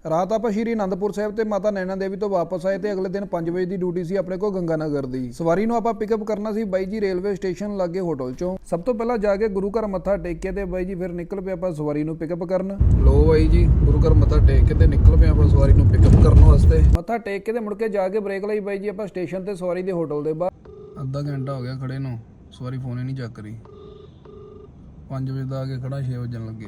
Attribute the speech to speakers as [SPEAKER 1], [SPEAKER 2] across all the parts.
[SPEAKER 1] ਰਾਤ ਆਪਾਂ ਸ਼੍ਰੀ ਅਨੰਦਪੁਰ ਸਾਹਿਬ ਤੇ ਮਾਤਾ ਨੈਣਾ ਦੇਵੀ ਤੋਂ ਵਾਪਸ ਆਏ ਤੇ ਅਗਲੇ ਦਿਨ 5 ਵਜੇ ਦੀ ਡਿਊਟੀ ਸੀ ਆਪਣੇ ਕੋਲ ਗੰਗਾ ਨਗਰ ਦੀ। ਸਵਾਰੀ ਨੂੰ ਆਪਾਂ ਪਿਕਅਪ ਕਰਨਾ ਸੀ ਬਾਈ ਜੀ ਰੇਲਵੇ ਸਟੇਸ਼ਨ ਲਾਗੇ ਹੋਟਲ ਚੋਂ। ਸਭ ਤੋਂ ਪਹਿਲਾਂ ਜਾ ਕੇ ਗੁਰੂ ਘਰ ਮੱਥਾ ਟੇਕ ਕੇ ਤੇ ਬਾਈ ਜੀ ਫਿਰ ਨਿਕਲ ਪਏ ਆਪਾਂ ਸਵਾਰੀ ਨੂੰ ਪਿਕਅਪ ਕਰਨ। ਲੋ ਬਾਈ ਜੀ ਗੁਰੂ ਘਰ ਮੱਥਾ ਟੇਕ ਕੇ ਤੇ ਨਿਕਲ ਪਏ ਆਪਾਂ ਸਵਾਰੀ ਨੂੰ ਪਿਕਅਪ ਕਰਨ ਵਾਸਤੇ। ਮੱਥਾ ਟੇਕ ਕੇ ਤੇ ਮੁੜ ਕੇ ਜਾ ਕੇ ਬ੍ਰੇਕ ਲਈ ਬਾਈ ਜੀ ਆਪਾਂ ਸਟੇਸ਼ਨ ਤੇ ਸਵਾਰੀ ਦੇ ਹੋਟਲ ਦੇ ਬਾਹਰ। ਅੱਧਾ ਘੰਟਾ ਹੋ ਗਿਆ ਖੜੇ ਨੂੰ, ਸਵਾਰੀ ਫੋਨ ਹੀ ਨਹੀਂ ਚੱਕ ਰਹੀ। 5 ਵਜੇ ਦਾ ਆ ਕੇ ਖੜਾ 6 ਵਜਣ ਲੱਗੇ।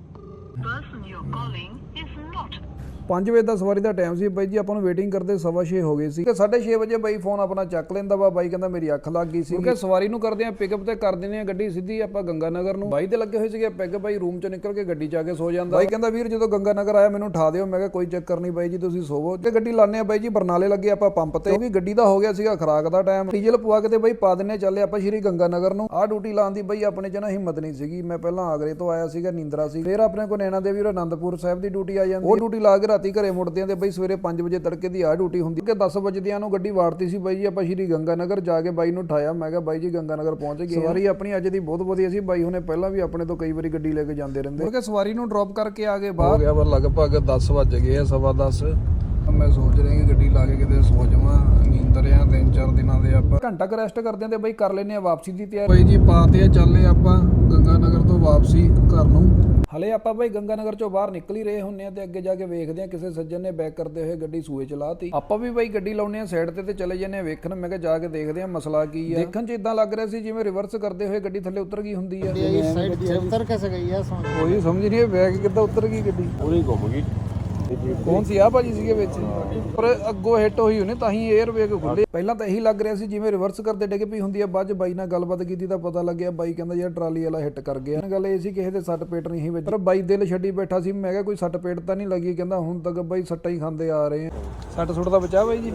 [SPEAKER 1] 5 ਵਜੇ ਦਾ ਸਵਾਰੀ ਦਾ ਟਾਈਮ ਸੀ ਬਾਈ ਜੀ, ਆਪਾਂ ਨੂੰ ਵੇਟਿੰਗ ਕਰਦੇ 6:15 ਹੋ ਗਏ ਸੀ ਤੇ 6:30 ਵਜੇ ਬਾਈ ਫੋਨ ਆਪਣਾ ਚੱਕ ਲੈਂਦਾ ਵਾ। ਬਾਈ ਕਹਿੰਦਾ ਮੇਰੀ ਅੱਖ ਲੱਗ ਗਈ ਸੀ ਕਿ ਸਵਾਰੀ ਨੂੰ ਕਰਦੇ ਆ ਪਿਕਅਪ ਤੇ ਕਰ ਦਿੰਦੇ ਆ ਗੱਡੀ ਸਿੱਧੀ ਆਪਾਂ ਗੰਗਾ ਨਗਰ ਨੂੰ। ਬਾਈ ਤੇ ਲੱਗੇ ਹੋਏ ਸੀਗੇ ਪੈਗ, ਬਾਈ ਰੂਮ ਚੋਂ ਨਿਕਲ ਕੇ ਗੱਡੀ ਚ ਆ ਕੇ ਸੋ ਜਾਂਦਾ। ਬਾਈ ਕਹਿੰਦਾ ਵੀਰ ਜਦੋਂ ਗੰਗਾ ਨਗਰ ਆਇਆ ਮੈਨੂੰ ਉਠਾ ਦਿਓ। ਮੈਂ ਕਿਹਾ ਕੋਈ ਚੱਕਰ ਨਹੀਂ ਬਾਈ ਜੀ ਤੁਸੀਂ ਸੋਵੋ। ਤੇ ਗੱਡੀ ਲਾਣੇ ਆ ਬਾਈ ਜੀ ਬਰਨਾਲੇ ਲੱਗੇ ਆਪਾਂ ਪੰਪ ਤੇ, ਕਿਉਂਕਿ ਗੱਡੀ ਦਾ ਹੋ ਗਿਆ ਸੀਗਾ ਖਰਾਕ ਦਾ ਟਾਈਮ। ਡੀਜ਼ਲ ਪਵਾ ਕੇ ਤੇ ਬਾਈ ਪਾ ਦਿੰਨੇ ਚੱਲੇ ਆਪਾਂ ਸ਼੍ਰੀ ਗੰਗਾ ਨਗਰ ਨੂੰ। ਆਹ ਡਿਊਟੀ ਲਾਉਣ ਦੀ ਬਾਈ ਆਪਣੇ ਚ ਨਾ ਹਿੰਮਤ ਨਹੀਂ ਸੀਗੀ। ਮੈਂ ਪਹਿਲਾਂ ਆਗਰੇ ਤੋਂ ਆਇਆ ਸੀਗਾ, ਨੀਂਦਰਾ ਸੀ। ਫਿਰ ਆਪਣੇ ਕੋਲ ਨੈਣਾ ਦੇਵੀ ਔਰ ਅਨੰਦਪੁਰ ਸਾਹਿਬ ਦੀ ਡਿਊਟੀ ਆ ਜਾਂਦੀ। ਉਹ ਡਿਊਟੀ ਲਾ ਕੇ ਰਾਤੀ ਘਰੇ ਮੁੜਦੇ ਆ ਤੇ ਬਾਈ ਸਵੇਰੇ 5 ਵਜੇ ਤੜਕੇ ਦੀ ਆਹ ਡਿਊਟੀ ਹੁੰਦੀ ਕਿ 10 ਵਜੇਦਿਆਂ ਨੂੰ ਗੱਡੀ ਵਾੜਤੀ ਸੀ ਬਾਈ ਜੀ ਆਪਾਂ ਸ਼੍ਰੀ ਗੰਗਾ ਨਗਰ। ਜਾ ਕੇ ਬਾਈ ਨੂੰ ਉਠਾਇਆ, ਮੈਂ ਕਿਹਾ ਬਾਈ ਜੀ ਗੰਗਾ ਨਗਰ ਪਹੁੰਚ ਗਏ। ਸਵਾਰੀ ਆਪਣੀ ਅੱਜ ਦੀ ਬਹੁਤ ਵਧੀਆ ਸੀ। ਬਾਈ ਹੁਣੇ ਪਹਿਲਾਂ ਵੀ ਆਪਣੇ ਤੋਂ ਕਈ ਵਾਰੀ ਗੱਡੀ ਲੈ ਕੇ ਜਾਂਦੇ ਰਹਿੰਦੇ। ਕਿਉਂਕਿ ਸਵਾਰੀ ਨੂੰ ਡ੍ਰੌਪ ਕਰਕੇ ਆ ਗਏ ਬਾਹਰ। ਹੋ ਗਿਆ ਪਰ ਲਗਭਗ 10 ਵੱਜ ਗਏ ਆ, 10:15। ਮੈਂ ਸੋਚ ਰਿਹਾ ਕਿ ਗੱਡੀ ਲਾ ਕੇ ਕਿਤੇ ਸੋ ਜਾਵਾਂ। ਨੀਂਦ ਰਿਆ 3-4 ਦਿਨਾਂ ਦੇ ਆਪਾਂ ਘੰਟਾ ਕੁ ਰੈਸਟ ਕਰਦੇ ਆਂ ਤੇ ਬਾਈ ਕਰ ਲੈਨੇ ਆ ਵਾਪਸੀ ਦੀ ਤਿਆਰੀ। ਬਾਈ ਜੀ ਪਾਤੇ ਆ, ਚੱਲੇ ਆਪਾਂ ਗੰਗਾ ਨਗਰ ਤੋਂ ਵਾਪਸੀ ਘਰ ਨੂੰ। ਹਲੇ ਆਪਾਂ ਬਾਈ ਗੰਗਾ ਨਗਰ ਚੋਂ ਬਾਹਰ ਨਿਕਲ ਹੀ ਰਹੇ ਹੁੰਨੇ ਆ ਤੇ ਅੱਗੇ ਜਾ ਕੇ ਵੇਖਦੇ ਆ ਕਿਸੇ ਸੱਜਣ ਨੇ ਬੈਕ ਕਰਦੇ ਹੋਏ ਗੱਡੀ ਸੂਏ ਚਲਾਤੀ। ਆਪਾਂ ਵੀ ਬਾਈ ਗੱਡੀ ਲਾਉਨੇ ਆ ਸਾਈਡ ਤੇ ਚਲੇ ਜਾਂਦੇ ਆ ਵੇਖਣ। ਮੈਂ ਕਿਹਾ ਜਾ ਕੇ ਦੇਖਦੇ ਆ ਮਸਲਾ ਕੀ ਆ। ਦੇਖਣ 'ਚ ਇਦਾਂ ਲੱਗ ਰਿਹਾ ਸੀ ਜਿਵੇਂ ਰਿਵਰਸ ਕਰਦੇ ਹੋਏ ਗੱਡੀ ਥੱਲੇ ਉਤਰ ਗਈ ਹੁੰਦੀ ਆ।
[SPEAKER 2] उतर कैसे गई है?
[SPEAKER 1] ਕੋਈ ਸਮਝ ਨਹੀਂ ਬੈਕ ਕਿੱਦਾਂ ਉਤਰ ਗਈ ਗੱਡੀ,
[SPEAKER 2] पूरी घूम गई।
[SPEAKER 1] ਕੌਣ ਸੀ ਆ ਭਾਜੀ ਸੀਗੇ ਵਿੱਚ, ਪਰ ਅੱਗੋਂ ਹਿੱਟ ਹੋਈ ਉਹਨੇ ਤਾਂ ਹੀ 에ਅਰ ਬੈਗ ਖੁੱਲੇ। ਪਹਿਲਾਂ ਤਾਂ ਇਹੀ ਲੱਗ ਰਿਹਾ ਸੀ ਜਿਵੇਂ ਰਿਵਰਸ ਕਰਦੇ ਡਿੱਗ ਪਈ ਹੁੰਦੀ ਆ। ਬਾਅਦ 'ਚ ਬਾਈ ਨਾਲ ਗੱਲਬਾਤ ਕੀਤੀ ਤਾਂ ਪਤਾ ਲੱਗਿਆ ਬਾਈ ਕਹਿੰਦਾ ਯਾਰ ਟਰਾਲੀ ਵਾਲਾ ਹਿੱਟ ਕਰ ਗਿਆ। ਗੱਲ ਇਹ ਸੀ ਕਿਸੇ ਦੇ ਸੱਟ ਪੇਟ ਨਹੀਂ ਸੀ ਵਿੱਚ, ਪਰ ਬਾਈ ਦਿਲ ਛੱਡੀ ਬੈਠਾ ਸੀ। ਮੈਂ ਕਿਹਾ ਕੋਈ ਸੱਟ ਪੇਟ ਤਾਂ ਨਹੀਂ ਲੱਗੀ। ਕਹਿੰਦਾ ਹੁਣ ਤੱਕ ਬਾਈ ਸੱਟਾਂ ਹੀ ਖਾਂਦੇ ਆ ਰਹੇ ਆ। ਸੱਟ ਸੁੱਟ ਦਾ ਬਚਾ ਬਾਈ ਜੀ?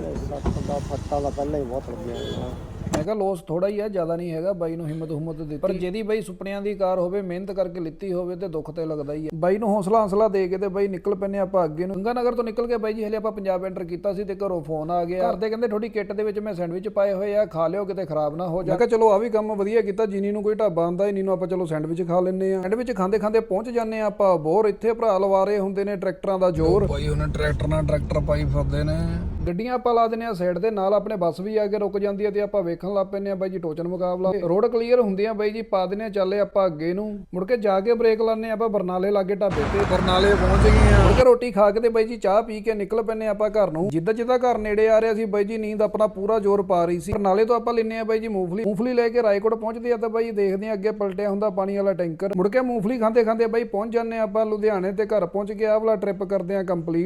[SPEAKER 2] फट्टा पहले ही बहुत लग गया।
[SPEAKER 1] ਮੈਂ ਕਿਹਾ ਲੋਸ ਥੋੜਾ ਹੀ ਆ, ਜ਼ਿਆਦਾ ਨਹੀਂ ਹੈਗਾ। ਬਾਈ ਨੂੰ ਹਿੰਮਤ ਦਿੱਤੀ, ਪਰ ਜਿਹਦੀ ਬਾਈ ਸੁਪਨਿਆਂ ਦੀ ਕਾਰ ਹੋਵੇ, ਮਿਹਨਤ ਕਰਕੇ ਲਿੱਤੀ ਹੋਵੇ ਤੇ ਦੁੱਖ ਤੇ ਲੱਗਦਾ ਹੀ ਆ। ਬਾਈ ਨੂੰ ਹੌਸਲਾ ਦੇ ਕੇ ਤੇ ਬਾਈ ਨਿਕਲ ਪੈਨੇ ਆਪਾਂ ਅੱਗੇ ਨੂੰ। ਗੰਗਾ ਨਗਰ ਤੋਂ ਨਿਕਲ ਕੇ ਬਾਈ ਜੀ ਹਲੇ ਆਪਾਂ ਪੰਜਾਬ ਐਂਟਰ ਕੀਤਾ ਸੀ ਤੇ ਘਰੋਂ ਫੋਨ ਆ ਗਿਆ। ਘਰਦੇ ਕਹਿੰਦੇ ਤੁਹਾਡੀ ਕਿੱਟ ਦੇ ਵਿੱਚ ਮੈਂ ਸੈਂਡਵਿਚ ਪਾਏ ਹੋਏ ਆ, ਖਾ ਲਿਓ ਕਿਤੇ ਖਰਾਬ ਨਾ ਹੋ ਜਾ। ਮੈਂ ਕਿਹਾ ਚਲੋ ਆ ਵੀ ਕੰਮ ਵਧੀਆ ਕੀਤਾ। ਜਿਨੀ ਨੂੰ ਕੋਈ ਢਾਬਾ ਆਂਦਾ ਹੀ ਨੂੰ ਆਪਾਂ ਚਲੋ ਸੈਂਡਵਿਚ ਖਾ ਲੈਂਦੇ ਆ। ਸੈਂਡਵਿਚ ਖਾਂਦੇ ਪਹੁੰਚ ਜਾਂਦੇ ਆ ਆਪਾਂ ਬੋਰ। ਇੱਥੇ ਭਰਾ ਲਵਾ ਰਹੇ ਹੁੰਦੇ ਨੇ ਟਰੈਕਟਰਾਂ ਦਾ ਜ਼ੋਰ। ਬਾਈ ਉਹਨਾਂ ਟਰੈਕਟਰ ਨਾਲ ਟਰੈਕਟਰ ਪਾਈ ਫਿਰਦੇ ਨੇ। ਗੱਡੀਆਂ ਆਪਾਂ ਲਾ ਦਿੰਦੇ ਆ ਸਾਈਡ ਦੇ ਨਾਲ, ਆਪਣੇ ਬੱਸ ਵੀ ਆ ਕੇ ਰੁਕ ਜਾਂਦੀ ਆ ਤੇ ਆਪਾਂ ਵੇਖਣ ਲੱਗ ਪੈਂਦੇ ਆ ਬਾਈ ਜੀ ਟੋਚਨ ਮੁਕਾਬਲਾ। ਰੋਡ ਕਲੀਅਰ ਹੁੰਦੀ ਆ ਬਾਈ ਜੀ ਪਾ ਦਿੰਦੇ ਆ ਚੱਲੇ ਆਪਾਂ ਅੱਗੇ ਨੂੰ। ਮੁੜ ਕੇ ਜਾ ਕੇ ਬ੍ਰੇਕ ਲਾਣੇ ਆਪਾਂ ਬਰਨਾਲੇ ਲਾਗੇ ਢਾਬੇ ਤੇ। ਬਰਨਾਲੇ ਪਹੁੰਚ ਗਏ ਆ। ਮੁੜ ਕੇ ਰੋਟੀ ਖਾ ਕੇ ਤੇ ਬਾਈ ਜੀ ਚਾਹ ਪੀ ਕੇ ਨਿਕਲ ਪੈਂਦੇ ਆਪਾਂ ਘਰ ਨੂੰ। ਜਿੱਦਾਂ ਘਰ ਨੇੜੇ ਆ ਰਿਹਾ ਸੀ ਬਾਈ ਜੀ ਨੀਂਦ ਆਪਣਾ ਪੂਰਾ ਜ਼ੋਰ ਪਾ ਰਹੀ ਸੀ। ਬਰਨਾਲੇ ਤੋਂ ਆਪਾਂ ਲੈਨੇ ਆ ਬਾਈ ਜੀ ਮੂੰਗਫਲੀ ਲੈ ਕੇ ਰਾਏਕੋਟ ਪਹੁੰਚਦੇ ਆ ਤਾਂ ਬਾਈ ਦੇਖਦੇ ਆ ਅੱਗੇ ਪਲਟਿਆ ਹੁੰਦਾ ਪਾਣੀ ਵਾਲਾ ਟੈਂਕਰ। ਮੁੜ ਕੇ ਮੂੰਗਫਲੀ ਖਾਂਦੇ ਬਾਈ ਪਹੁੰਚ ਜਾਂਦੇ ਆਪਾਂ ਲੁਧਿਆਣੇ ਤੇ ਘਰ ਪਹੁੰਚ ਕੇ ਆਹ ਵਾਲਾ ਟ੍ਰਿਪ ਕਰਦੇ ਆ ਕੰਪਲੀਟ।